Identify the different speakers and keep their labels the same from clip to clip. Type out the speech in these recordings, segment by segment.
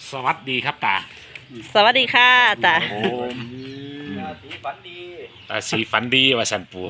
Speaker 1: สวัสดีครับตา
Speaker 2: สวัสดีค่ะตา
Speaker 1: โอ้
Speaker 3: ราศีฝันดี
Speaker 1: ตาสีฝันดีว่าสันปู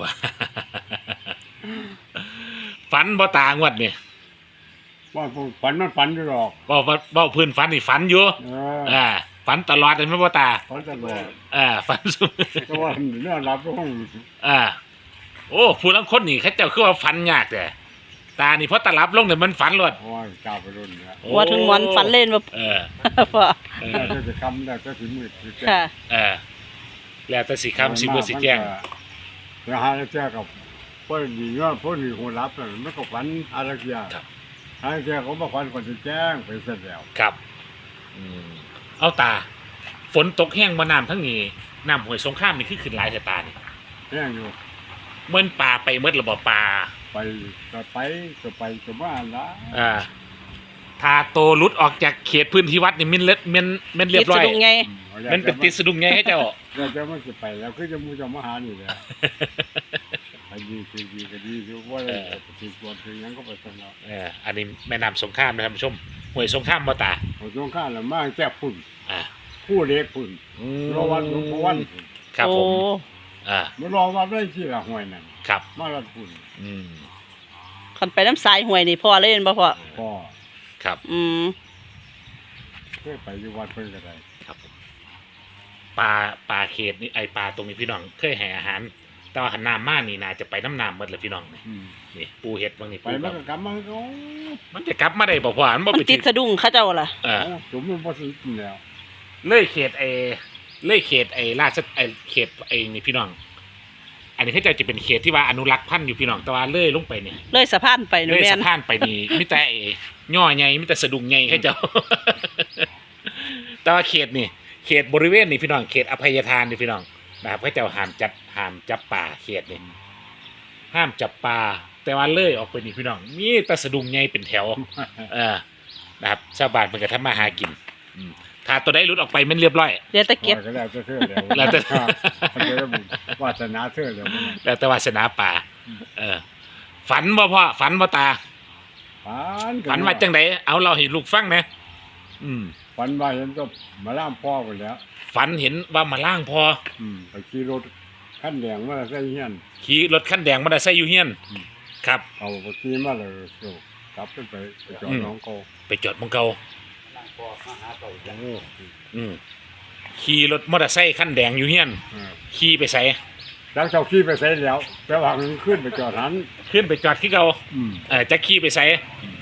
Speaker 1: ฝันบ่ตางวดนี่
Speaker 4: ว่าฝันมันฝันอยู่หรอก
Speaker 1: บ่พื้นฝันนี่ฝันอยู่
Speaker 4: เออ
Speaker 1: อ่าฝันตลอดเลยไหมบ่ตา
Speaker 4: ฝันตลอด
Speaker 1: ฝันสุ
Speaker 4: แต่ว่าเรื่องรับต้อง
Speaker 1: โอ้ผู้ลังคนนี่เขาเจ้าคือว่าฝันยากแต่ตานี่เพราะตาลับลงเนี่ยมันฝันรวด
Speaker 4: โอ้ยเจ้าไปรุ่นเนี่ย
Speaker 1: โอ้
Speaker 2: ว่าถึงหมอนฝันเล่นมา
Speaker 1: เออ
Speaker 2: พ่อ
Speaker 1: เออ
Speaker 4: แล้วจะคำแล้วจะถึงมืดจะแจ้ง
Speaker 2: ค่ะ
Speaker 1: เออแล้วแต่สิคำสิบ่สิแจ้ง
Speaker 4: แล้วหาแล้วแจ้งกับพวกดีเนาะพวกดีคนรับน่ะมันก็ฝันอะไรอย่าง
Speaker 1: ครับ
Speaker 4: หาแจ้งเขาบอกฝันก่อนจะแจ้งไปเสร็จแล้ว
Speaker 1: ครับเอาตา ฝนตกแห้งมาน้ำทั้งนี้น้ำห้วยสงครามนี่คือขึ้นหลายแต่ตานี่
Speaker 4: แจ้งอยู่
Speaker 1: เมื่อปลาไปเมื่อระบบปลา
Speaker 4: ไปก็มาละ
Speaker 1: ถ้าโตหลุดออกจากเขตพื้นที่วัดนี่มันเรียบร้อย
Speaker 2: คิดสะดุ้งไง
Speaker 1: มันเป็นติดสะดุ้งไงให้เจ้า
Speaker 4: เราจะไม่จะไปแล้วคือจะมูจะมาหานี่แหละไปดีคือดีก็ดีคือว่าติดตัวคือยังก็ไปสนอง
Speaker 1: อันนี้แม่น้ำสงครามนะครับท่านผู้ชมห้วยสงครามบ่ตา
Speaker 4: ผมช่วงข้างละมากแจ้พุ่น
Speaker 1: อ่า
Speaker 4: ผู้เล็กพุ่นรอวันรอวัน
Speaker 1: ครับผม
Speaker 2: โอ้
Speaker 4: มารอวันได้ที่ละห้วยนั่น
Speaker 1: ครับ
Speaker 4: มาละพุ่น
Speaker 1: อืม
Speaker 2: คันไปน้ำสายห่วยนี่พ่อเล่นบ่พ่อ
Speaker 4: พ่อ
Speaker 1: ครับ
Speaker 2: อืม
Speaker 4: เคยไปอยู่วัดเพิ่นก็ได้
Speaker 1: ครับผมปลาเขตนี่ไอปลาตรงนี้พี่น้องเคยให้อาหาร แต่ว่าหันน้ำมานี่น่าจะไปน้ำน้ำหมดเลยพี่น้องนี่ปูเห็ดบางนี่
Speaker 4: ไป
Speaker 1: ปู
Speaker 4: มั
Speaker 1: แบ
Speaker 4: น
Speaker 1: บ
Speaker 4: ก็กลับมาก็
Speaker 1: มันจะกลับมาได้บ่พ่อมันบ่
Speaker 2: มัน
Speaker 1: ไป
Speaker 2: ติดสะดุ้งเข้าเจ้าล่ะ
Speaker 4: สมมันบ่สิกินแล้ว
Speaker 1: เลยเขตราชเขตนี่พี่น้อง อันนี้เขาจะเป็นเขตที่ว่าอนุรักษ์พันธุ์อยู่พี่น้องแต่ว่าเลยลงไปเนี่ย
Speaker 2: เลยสะพานไปหนู
Speaker 1: เลย
Speaker 2: แม่
Speaker 1: สะ
Speaker 2: น
Speaker 1: พานไปนี่มิแต่ย่อใหญ่มิแต่สะดุ้งใหญ่เขาเจ้า แต่ว่าเขตนี่เขตบริเวณนี่พี่น้องเขตอภัยทานนี่พี่น้องนะครับเขาเจ้าห้ามจับป่าเขตนี่ห้ามจับป่าแต่ว่าเลยออกไปนี่พี่น้องมีแต่สะดุ้งใหญ่เป็นแถว นะครับชาวบ้านเพิ่นก็ทำมาหากินถ้าตัวใดหลุดออกไปมันเรียบร้อย
Speaker 2: เดี๋ยวตะเก็บ
Speaker 4: ก็แล้วจะเทื่อแล้ว
Speaker 1: แล้วแต่
Speaker 4: มันจะได้บุญวาสนาเทื่อแล้วมัน
Speaker 1: แล้วแต่วาสนาป่า ฝันบ่พ่อฝันบ่ตา ฝันว่าจังไดเอาเราให้ลูกฟังนะ
Speaker 4: ฝันว่าเห็นก็มาล่ามพ่อไปแล้ว
Speaker 1: ฝันเห็นว่ามาล่างพอ
Speaker 4: ไปขี่รถขั้นแดงมาใส่เฮียน
Speaker 1: ขี่รถคันแดงมาได้ใส่อยู่เฮียน ครับ
Speaker 4: เอาไปขี่มาเลยกลับขึ้นไปจอดน้องโก
Speaker 1: ไปจอดหมองเก่า
Speaker 3: นั่งพอมาหาเต่าอย่าง
Speaker 1: ขี่รถมอเตอร์ไซค์คันแดงอยู่เฮียนขี่ไปใส่
Speaker 4: แล้วเจ้าขี่ไปใส่แล้วแต่ว่ามันขึ้นไปจอดหัน
Speaker 1: ขึ้นไปจอดที่เก่าจะขี่ไปใส่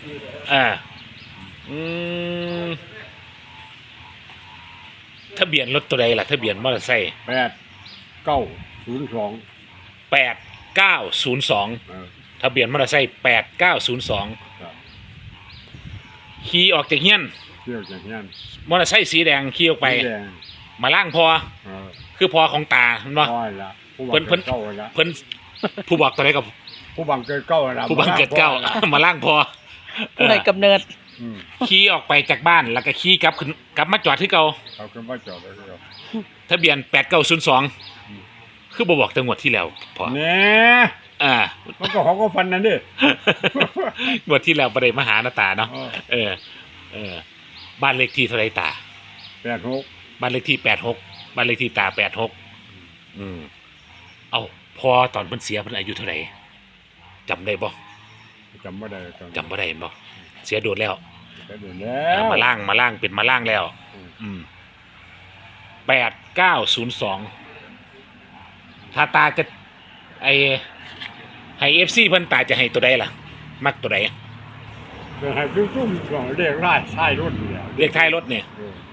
Speaker 1: ทะเบียนรถตัวใดล่ะทะเบียนมอเตอร์ไซค์
Speaker 4: 8902
Speaker 1: 8902ทะเบียนมอเตอร์ไซค์8902
Speaker 4: ครับ
Speaker 1: ขี่ออกจากเฮียน
Speaker 4: เที่ยวจากเฮียน
Speaker 1: มอเตอร์ไซค์สีแดงขี่ออกไป
Speaker 4: สีแดง
Speaker 1: มาล่างพอคือพอของตาเห็นบ่
Speaker 4: น้อยละผู้บัง
Speaker 1: เพิ่
Speaker 4: เกิ
Speaker 1: น
Speaker 4: ดเก้าละ
Speaker 1: เพิ่นผู้บอกตัวใดกับ
Speaker 4: ผู้บังเกิดเก้าละ
Speaker 1: ผู้บังเกิดเก้า มาล่างพอ
Speaker 2: ผู้ใดกำเนิด
Speaker 1: ขี่ออกไปจากบ้านแล้วก็ขี่กลับมาจอดที่เก่า
Speaker 4: เขาขึ้นมาจอดเลยครับ
Speaker 1: ทะเบียน8902คือบ่บอกจังหวัดที่แล้วพอ
Speaker 4: เนี่ยมันก็เขาก็ฟันนั่นดิ
Speaker 1: งวดที่แล้วบ่ได้มาหาหน้าตาเนาะบ้านเลขที่เท่าไหร่ตา
Speaker 4: 86
Speaker 1: บ้านเลขที่86บ้านเลขที่ตา86เอ้าพอตอนเพิ่นเสียเพิ่นอายุเท่าไหร่จำได้บ่
Speaker 4: จำไม่ได้ตอน
Speaker 1: จำบ่ได้บ่เสียโดดแล้ว
Speaker 4: แต่เดี๋ยวแล้ว
Speaker 1: มาล่างเป็นมาล่างแล้ว8902ถ้าตาจะให้ FC เพิ่นตาจะให้ตัวใดล่ะ มักตัวใด
Speaker 4: เดี๋ยวให้จุ้มๆของเรียกไล่ใช่รุ่นเดียว
Speaker 1: เลขท้ายรถเนี่ย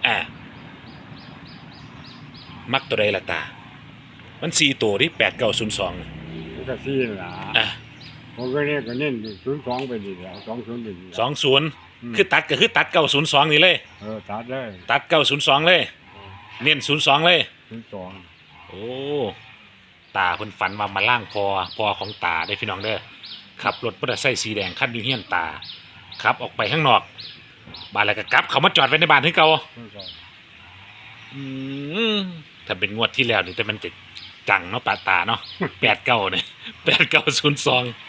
Speaker 1: มักตัวใดล่ะตา มัน4ตัวที่8902
Speaker 4: มันก็ซีนล่ะผมก็เนี่ยก็เน้น02ไปดีแล้ว20ไปดีแล้ว
Speaker 1: 20คือตัดก็คือตัด902นี่เลย
Speaker 4: ตัดได้
Speaker 1: ตัด902เลยเน้น02เลย
Speaker 4: 02
Speaker 1: โอ้ตาเพิ่นฝันว่ามาล่างพอของตาได้พี่น้องเด้อขับรถมอเตอร์ไซค์สีแดงคันอยู่เฮียนตาขับออกไปข้างนอกบ้านแล้วก็กลับเขามาจอดไว้ในบ้านที่เก่าถ้าเป็นงวดที่แล้วนี่แต่มันจะจังเนาะตาเนาะ89เนี่ย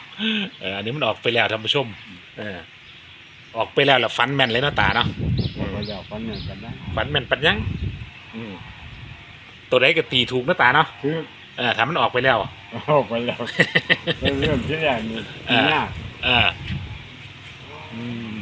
Speaker 1: 8902อันนี้มันออกไปแล้วท่านผู้ชมออกไปแล้วล่ะฝันแม่นเลยเนาะตาเนาะ
Speaker 4: ก็แล้วฟันเหมือนกันนะ
Speaker 1: ฝันแม่นปัญญังอืมตัวใดก็ตีถูกนะตาเนาะ
Speaker 4: คือ
Speaker 1: ถ้ามันออกไปแล้ว
Speaker 4: ออกไปแล้วเริ่มที่แรกนี่ยาก
Speaker 1: เอออืม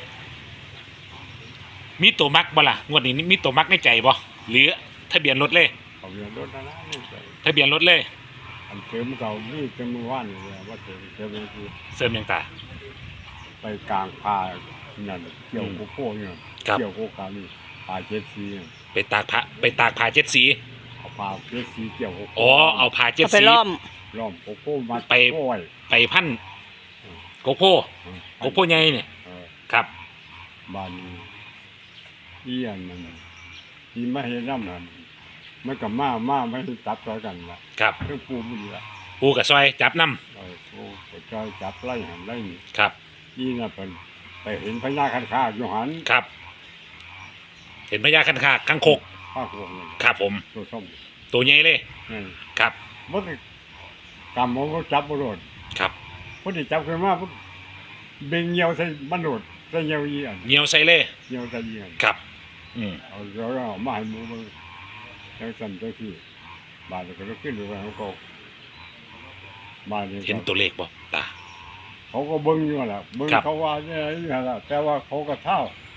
Speaker 1: มีตัวมักบ่ล่ะงวดนี้มีตัวมักในใจบ่หรือทะเบียนรถเลย
Speaker 4: เขาเรียนรถนะนี่ใส่
Speaker 1: ทะเบียนรถเลย
Speaker 4: อันเติมเก่านี่เติมเมื่อวานนี่เลยว่าเติมยังคือ
Speaker 1: เสริมยังตา
Speaker 4: ไปกลางพานั่นเกี่ยวโกโก้เนี่ย
Speaker 1: ครับ
Speaker 4: เกี่ยวโกกานี่ปลาเจ็ดสีเนี่ย
Speaker 1: ไปตากผ้าเจ็ดสี
Speaker 4: เอาปลาเจ็ดสีเกี่ยวโกโก้
Speaker 1: อ๋อเอาผ้าเจ็ด
Speaker 2: เอาไป
Speaker 1: สี
Speaker 2: ล้อม
Speaker 4: ล้อมโกโก้มา
Speaker 1: ไป
Speaker 4: โก้ไว้
Speaker 1: ไปพันโกโก้โกโก้ใหญ่เนี่ย
Speaker 4: เออ
Speaker 1: ครับ
Speaker 4: บ้านนี้เอียนมันที่ไม่เห็นน้ำนั่นมันกับมาไม่ให้จับต่อกันละ
Speaker 1: ครับ
Speaker 4: เครื่องปูมันละ
Speaker 1: ปูกับซอยจับน้
Speaker 4: โอ้ก็จอยจับไล่หันไล่นี่
Speaker 1: ำครับ
Speaker 4: อีน่ะเป็นไปเห็นพญาคันคาอยู่หัน
Speaker 1: ครับ เห็นพญาคันคากคังคก
Speaker 4: ข้าพวกนั้น
Speaker 1: ครับผม
Speaker 4: ตัวส้ม
Speaker 1: ตัวใหญ่เลย
Speaker 4: นี่
Speaker 1: ครับ
Speaker 4: มันกำมันก็จับมันโดด
Speaker 1: ครับ
Speaker 4: พอดีจับขึ้นมาปุ๊บเบ่งเหี่ยวใส่มันโดดใส่เหี่ยวอีอัน
Speaker 1: เหนียวใส่เลย
Speaker 4: เหี่ยวใส่อีอัน
Speaker 1: ครับ อืม
Speaker 4: เอาแล้วเอามาให้หมูมันจังสั่นจังที่บ้านเราก็ขึ้นไปว่าเขาก็บ้านนี้
Speaker 1: เห็นตัวเลขบ่ตา
Speaker 4: เขาก็เบิ้งอยู่แหละเบิ้ง
Speaker 1: ครับ
Speaker 4: เขาว่าเนี่ยนี่แหละแต่ว่าเขาก็เท่า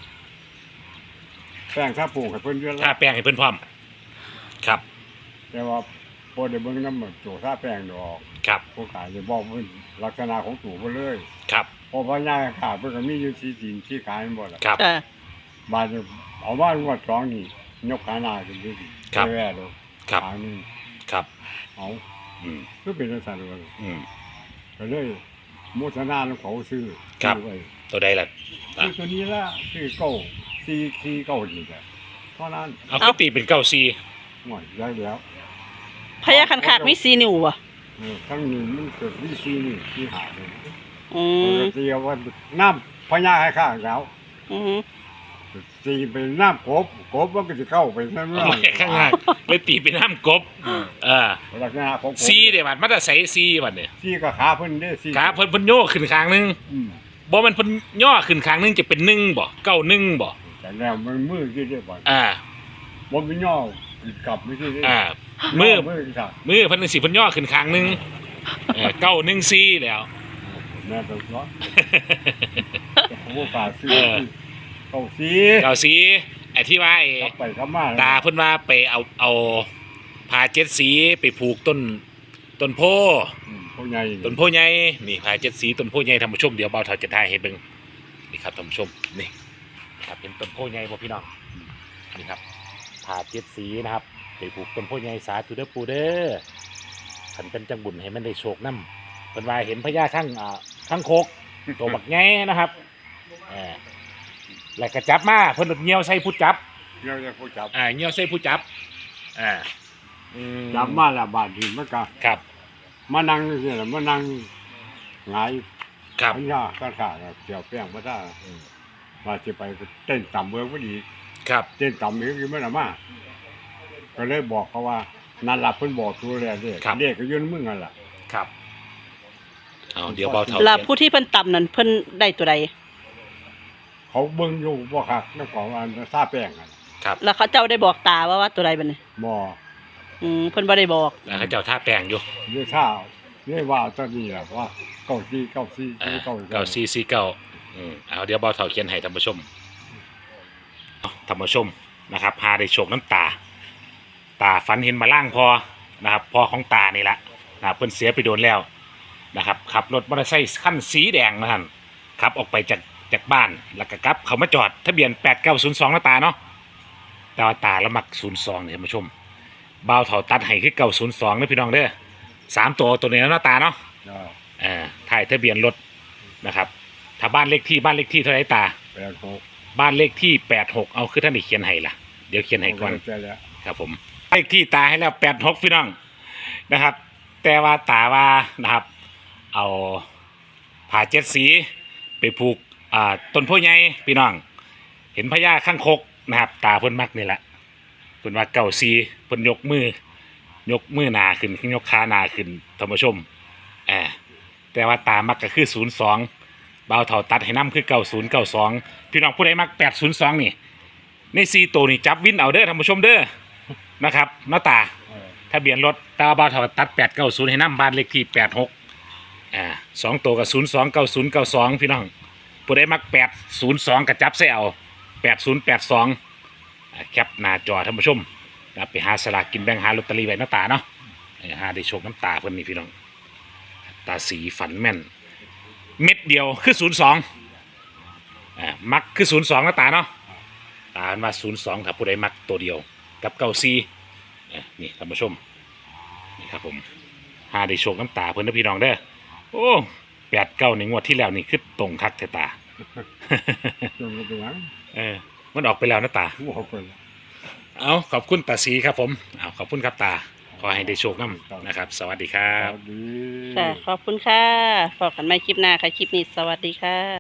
Speaker 4: แป้งท่าปลูกให้เพิ่นเยอะ
Speaker 1: ถ้า
Speaker 4: แล้ว
Speaker 1: แป้งให้เพิ่นพร้อม ครับ
Speaker 4: แต่ว่าพอได้เบิ้งน้ำมันโจท่าแป้งดอก
Speaker 1: ครับ
Speaker 4: ผู้ขายจะบอกเพิ่นลักษณะของตู่เพิ่นเลย
Speaker 1: ครับ
Speaker 4: พอพญาขาเพิ่นก็มีอยู่ที่ดินที่ขายหมดล่ะ
Speaker 1: ครับ
Speaker 2: จ้ะ
Speaker 4: บ้านเนี่ยเอาบ้านงวดสองนี่ยกขาหน้าขึ้นดิ
Speaker 1: ครับ
Speaker 4: แว่ๆดู
Speaker 1: ครับ
Speaker 4: ขานี่
Speaker 1: ครับ
Speaker 4: เอา
Speaker 1: อืม
Speaker 4: คือเป็นลักษณะเลย
Speaker 1: อืม
Speaker 4: ก็เลยโมทนาของเขาซื้อ
Speaker 1: ครับ
Speaker 4: ซื้อไว้
Speaker 1: ตัวใดล่ะ
Speaker 4: คือตัวนี้ละคือเก้าซีเก้าดีแหละเท่านั้น
Speaker 1: เอาคือตีเป็นเก้าซี
Speaker 4: หน่อยแล้วแล้ว
Speaker 2: พญาคันคากมี4นิ้วบ่
Speaker 4: ทั้งนี้มันเกิดวิซีนี่ที่หาเลย
Speaker 2: อื
Speaker 4: ป
Speaker 2: ม
Speaker 4: กติว่าน้ำพญาให้ข้างแล้ว
Speaker 2: อืม
Speaker 4: ตีเป็นน้ำกบมันก็จะเข้าไปนั่น
Speaker 1: เอาไว้ข้างล่างเลยตีเป็นน้ำกบ เออ
Speaker 4: ลักษณะของกบ
Speaker 1: ซีเดี๋ยวบัดมันจะใส่ซีบัดเนี่ย
Speaker 4: ซีก็ขาเพิ่นได้ซี
Speaker 1: ขาเพิ่นโย่ขึ้นข้างหนึง
Speaker 4: อืม
Speaker 1: บ่มันเพิ่นย่อขึ้นข้างหนึงจะเป็นหนึ่งบ่เก้าหนึ่งบ่
Speaker 4: แต่แล้วมันมือที่ได้บ่
Speaker 1: อ่า
Speaker 4: บ่มีย่อกลับไม่ใช่ได้
Speaker 1: อ่า มือ
Speaker 4: มือครับ
Speaker 1: มือเพิ่นสิเพิ่นย่อขึ้นข้างหนึงเก้าหนึ่งซีแล้ว
Speaker 4: แม่ต้องร้อนผมว่าฝากซื้อ
Speaker 1: เออ
Speaker 4: เข้าซี
Speaker 1: เก้าซีไอ้ที่ว่าไอ้
Speaker 4: กลับไปกลับมา
Speaker 1: ตาเพิ่นว่าไปเอาผ้าเจ็ดสีไปผูกต้นโพ
Speaker 4: ผู้ใหญ่
Speaker 1: ต้นโพใหญ่นี่ผ้าเจ็ดสีต้นโพใหญ่ท่านผู้ชมเดี๋ยวเบาเท่าจะถ่ายให้เบิ่งนี่ครับท่านผู้ชมนี่ครับเป็นต้นโพใหญ่บ่พี่น้องนี่ครับผ้าเจ็ดสีนะครับไปผูกต้นโพใหญ่สาธุเด้อปู่เด้อขันเป็นจังบุญให้มันได้โชคนํเพิ่นว่าเห็นพญาข้างโคกตัวบักใหญ่นะครับแล้วก็จับมาเพิ่นเหี่ยวใส่ผู้จับ
Speaker 4: เดี๋ยวจะผู้จับ
Speaker 1: เหี่ยวใส่ผู้จับอืม
Speaker 4: จับมาแล้วบาดนี้มันก็
Speaker 1: ครับ
Speaker 4: มานั่งนี่แหละมานั่งหงาย
Speaker 1: ครับ
Speaker 4: พันยาข้างๆเกี่ยวแป้งมาได้
Speaker 1: อืม
Speaker 4: มาสิไปเต้นต่ำเบิ่งพอดี
Speaker 1: ครับ
Speaker 4: เต้นต่ำอีกคือมันน่ะมาก็เลยบอกเขาว่านั่นล่ะเพิ่นบอกตัวแล้วเด้เด็กก็ยืนมึงนั่นล่ะ
Speaker 1: ครับเอาเดี๋ยวเบาเท่า
Speaker 2: แล้วผู้ที่เพิ่นต่ำนั่นเพิ่นได้ตัวใด
Speaker 4: เขาเบิ่งอยู่บ่คักนำของอันท่าแป้งนั่น
Speaker 1: ครับ
Speaker 2: แล้วเขาเจ้าได้บอกตาว่าตัวใดบัดนี้
Speaker 4: บ่
Speaker 2: เพิ่นบ่ได้บอก
Speaker 1: แล้วเขาเจ้าท่าแปลงอยู่
Speaker 4: เรื่องท่าเรื่องว่าตอนนี้ล่ะว่าเก้าซี่
Speaker 1: เก้าซีซีเก้าเอาเดี๋ยวเบาเท่าเขียนให้ท่านผู้ชมเอาท่านผู้ชมนะครับพาได้โชคน้ำตาฝันเห็นมาล่างพอนะครับพอของตานี่ละนะครับเพิ่นเสียไปโดนแล้วนะครับขับรถมอเตอร์ไซค์คันสีแดงนะท่านขับออกไปจากบ้านแล้วก็กลับเขามาจอดทะเบียน8902นะตาเนาะแต่ว่าตาละมัก02เนี่ยท่านผู้ชมเบาเท่าตัดให้คือ902นะพี่น้องเด้อ3ตัวนี้แล้วนะตาเนาะถ่ายทะเบียนรถนะครับถ้าบ้านเลขที่เท่าไหร่ตา
Speaker 4: 86
Speaker 1: บ้านเลขที่86เอาคือท่านได้เขียนให้ล่ะเดี๋ยวเขียนให้ก่อน
Speaker 4: ใช่แล้ว
Speaker 1: ครับผมเลขที่ตาให้แล้ว86พี่น้องนะครับ แต่ว่าตาว่านะครับ เอาผ้าเจ็ดสีไปผูกต้นโพธิ์ใหญ่พี่น้อง เห็นพญาข้างคกนะครับ ตาเพิ่นมักนี่แหละเพิ่นว่าเก่าซีเพิ่นยกมือหนาขึ้นยกขาหนาขึ้นท่านผู้ชมแต่ว่าตามักก็คือ02เบาเท่าตัดให้น้ำคือ9092พี่น้องผู้ใดมัก802นี่ใน4ตัวนี่จับวินเอาเด้อท่านผู้ชมเด้อนะครับหน้าตา
Speaker 4: เออ
Speaker 1: ทะเบียนรถตาบาวเถาตัด890ให้นำบ้านเลขที่862ตัวกับ029092พี่น้องผู้ใดมัก802ก็จับใส่เอา8082แคปหน้าจอท่านผู้ชมไปหาสลากกินแบ่งหาลอตเตอรี่ไว้หน้าตาเนาะหาได้โชคน้ำตาเพิ่นนี่พี่น้องตาสีฝันแม่นเม็ดเดียวคือ02มักคือ02หน้าตาเนาะตาเพิ่นว่า02ถ้าผู้ใดมักตัวเดียวกับ94นี่ท่านผู้ชมนี่ครับผมหาได้โชคน้ำตาเพิ่นนะพี่น้องเด้อโอ้89ในงวดที่แล้วนี่คือตรงคักแท้ตา
Speaker 4: จนเป็นหยัง
Speaker 1: มันออกไปแล้วนะตา
Speaker 4: บอกไปแล้ว
Speaker 1: เอาขอบคุณตาสีครับผมเอาขอบคุณครับตา ขอให้ได้โชคน้ำนะครับ สวัสดีครับ
Speaker 4: สวัสดี
Speaker 2: ค่ะ ขอบคุณค่ะพบกันใหม่คลิปหน้าค่ะ คลิปนี้สวัสดีค่ะ